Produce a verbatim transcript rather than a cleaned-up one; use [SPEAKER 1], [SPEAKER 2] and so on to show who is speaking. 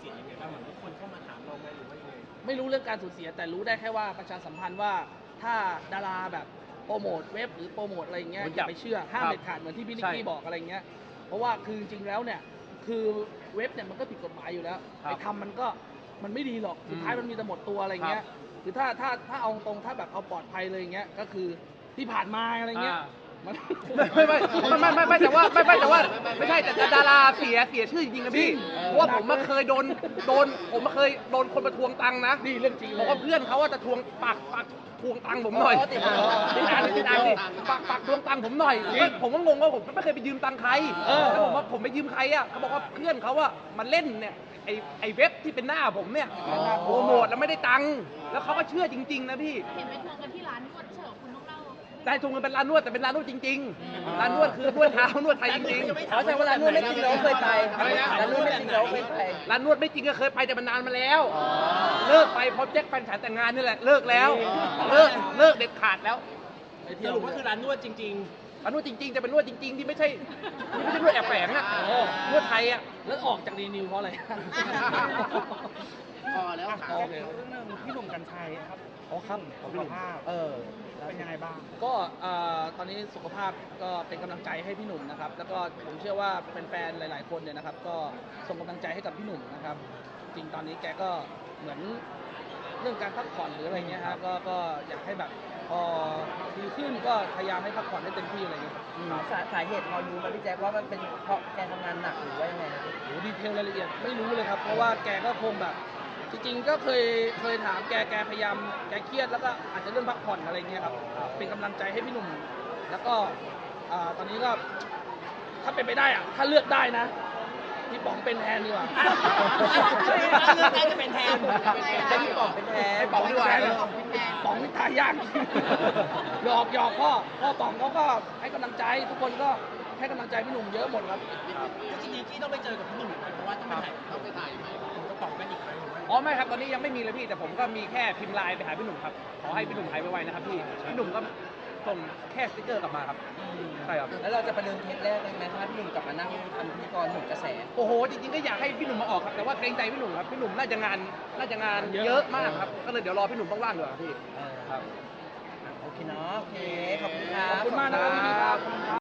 [SPEAKER 1] เสียยังไงบ้างเหมือนทุกคนเข้ามาถามเราไหมหรือว่ายังไง
[SPEAKER 2] ไม่รู้เรื่องการสูญเสียแต่รู้ได้แค่ว่าประชาสัมพันธ์ว่าถ้าดาราแบบโปรโมทเว็บหรือโปรโมทอะไรเงี้ยอย่าไปเชื่อห้ามเด็ดขาดเหมือนที่พี่นิกกี้บอกอะไรเงี้ยเพราะว่าคือจริงๆแล้วเนี่ยคือเว็บเนี่ยมันก็ผิดกฎหมายอยู่แล้วไปทำมันก็มันไม่ดีหรอกสุดท้ายมันมีแต่หมดตัวอะไรเงี้ยคือถ้าถ้าถ้าเอาตรงถ้าแบบเอาปลอดภัยเลยเงี้ยก็คือที่ผ่านมาอะไรเงี้ย
[SPEAKER 3] ไม่ไม่ไม่ไม่ไม่ไม่แต่ว่าไม่ไม่แต่ว่าไม่ใช่แต่ดาราเสียเสียชื่อจริงๆนะพี่เพราะว่าผมมาเคยโดนโดนผมมาเคยโดนคนมาทวงตังค์นะ
[SPEAKER 2] นี่เรื่องจริง
[SPEAKER 3] บอกว่าเพื่อนเขาว่าจะทวงปากปากทวงตังค์ผมหน่อยติดตังค์ติดตังค์ดิปากปากทวงตังค์ผมหน่อยผมก็งงว่าผมไม่เคยไปยืมตังค์ใครแล้วผมว่าผมไปยืมใครอ่ะเขาบอกว่าเพื่อนเขาอ่ะมาเล่นเนี่ยไอไอเว็บที่เป็นหน้าผมเนี่ยโปรโมทแล้วไม่ได้ตังค์แล้วเขาก็เชื่อจริงๆนะพี่
[SPEAKER 4] เห็นไปทวงกันที่ร้านนวดเฉยคุณต้องเล่า
[SPEAKER 3] ได้ทวงกันเป็นร้านนวดแต่เป็นร้านนวดจริงๆร้านนวดคือนวดเท้านวดไทยจริง
[SPEAKER 5] ๆเขาแสดงว่าร้านนวดไม่จริงเราเคยไปร้านนวดไม่จริงเราเคยไป
[SPEAKER 3] ร้านนวดไม่จริงก็เคยไปแต่มันนานมาแล้วเลิกไปเพราะแจ็คแฟนฉันแต่งงานนี่แหละเลิกแล้วเลิกเลิกเด็ดขาดแล้ว
[SPEAKER 1] สรุปว่าคือร้านนวดจริง
[SPEAKER 3] ๆร้านนวดจริงๆแต่เป็นนวดจริงๆที่ไม่ใช่ที่ไม่ใช่นวดแอบแฝงอ่ะนวดไทยอ่ะ
[SPEAKER 2] แล้วออกจากดีนิวเพราะอะไร
[SPEAKER 5] พอแล้ว
[SPEAKER 1] ขอเรื่องพี่หนุ่มกัญชัยครับ
[SPEAKER 2] อ๋อครับ
[SPEAKER 1] สุขภาพเออเป็นยังไงบ้าง
[SPEAKER 2] ก็ตอนนี้สุขภาพก็เป็นกำลังใจให้พี่หนุ่มนะครับแล้วก็ผมเชื่อว่าแฟนๆหลายๆคนเนี่ยนะครับก็ส่งกำลังใจให้กับพี่หนุ่มนะครับจริงตอนนี้แกก็เหมือนเรื่องการพักผ่อนหรืออะไรเงี้ยฮะก็ก็อยากให้แบบพอดีขึ้นก็พยายามให้พักผ่อนให้เต็มที่อะไรเงี้ย
[SPEAKER 5] สาสาเหตุพอรู้ไหมพี่แจ๊คว่ามันเป็นเพราะแกทำงานหนักหรือว่ายังไงนะ
[SPEAKER 2] โอ้ดีเทลรายละเอียดไม่รู้เลยครับเพราะว่าแกก็คงแบบจริงๆก็เคยเคยถามแกแกพยายามแกเครียดแล้วก็อาจจะเรื่องพักผ่อนอะไรเงี้ยครับเป็นกำลังใจให้พี่หนุ่มแล้วก็ตอนนี้ก็ถ้าเป็นไปได้อะถ้าเลือกได้นะพี่ป๋องเป็นแทนดีกว่า
[SPEAKER 1] เลือกได้จะเป็นแทน
[SPEAKER 5] ให้พี่ป๋องเป็นแทน
[SPEAKER 2] ให้ป๋องดีกว่าป๋องนี่ตายยากหยอกหยอกพ่อพ่อป๋องเขาก็ให้กำลังใจทุกคนก็ให้กำลังใจพี่หนุ่มเยอะหมดครับ
[SPEAKER 1] จริงๆที่ต้องไปเจอกับพี่หนุ่มเพราะว่าต้องไปถ่ายต้องไปถ่ายไหมผมก็ป๋องกันอีกไหม
[SPEAKER 3] อ๋อไม่ครับตอนนี้ยังไม่มีเลยพี่แต่ผมก็มีแค่พิมพ์ไลน์ไปหาพี่หนุ่มครับขอให้พี่หนุ่มหายไวๆนะครับพี่พี่หนุ่มก็ส่งแค่สติ๊กเกอร์กลับมาครับใช่ครับ
[SPEAKER 5] แล้วเราจะประเดิมเทปแรกเลยไหมถ้าพี่หนุ่มกลับมานั่งทำพิธีกรหนุ่มกระแส
[SPEAKER 3] โอ้โหจริงๆก็อยากให้พี่หนุ่มมาออกครับแต่ว่าเกรงใจพี่หนุ่มครับพี่หนุ่มน่าจะงานน่าจะงานเยอะมากครับก็เลยเดี๋ยวรอพี่หนุ่มว่างๆเดี๋ยวพี่
[SPEAKER 5] ครับโอเคเนาะโอเคขอบคุณครับ
[SPEAKER 2] ขอบคุณมากนะครับ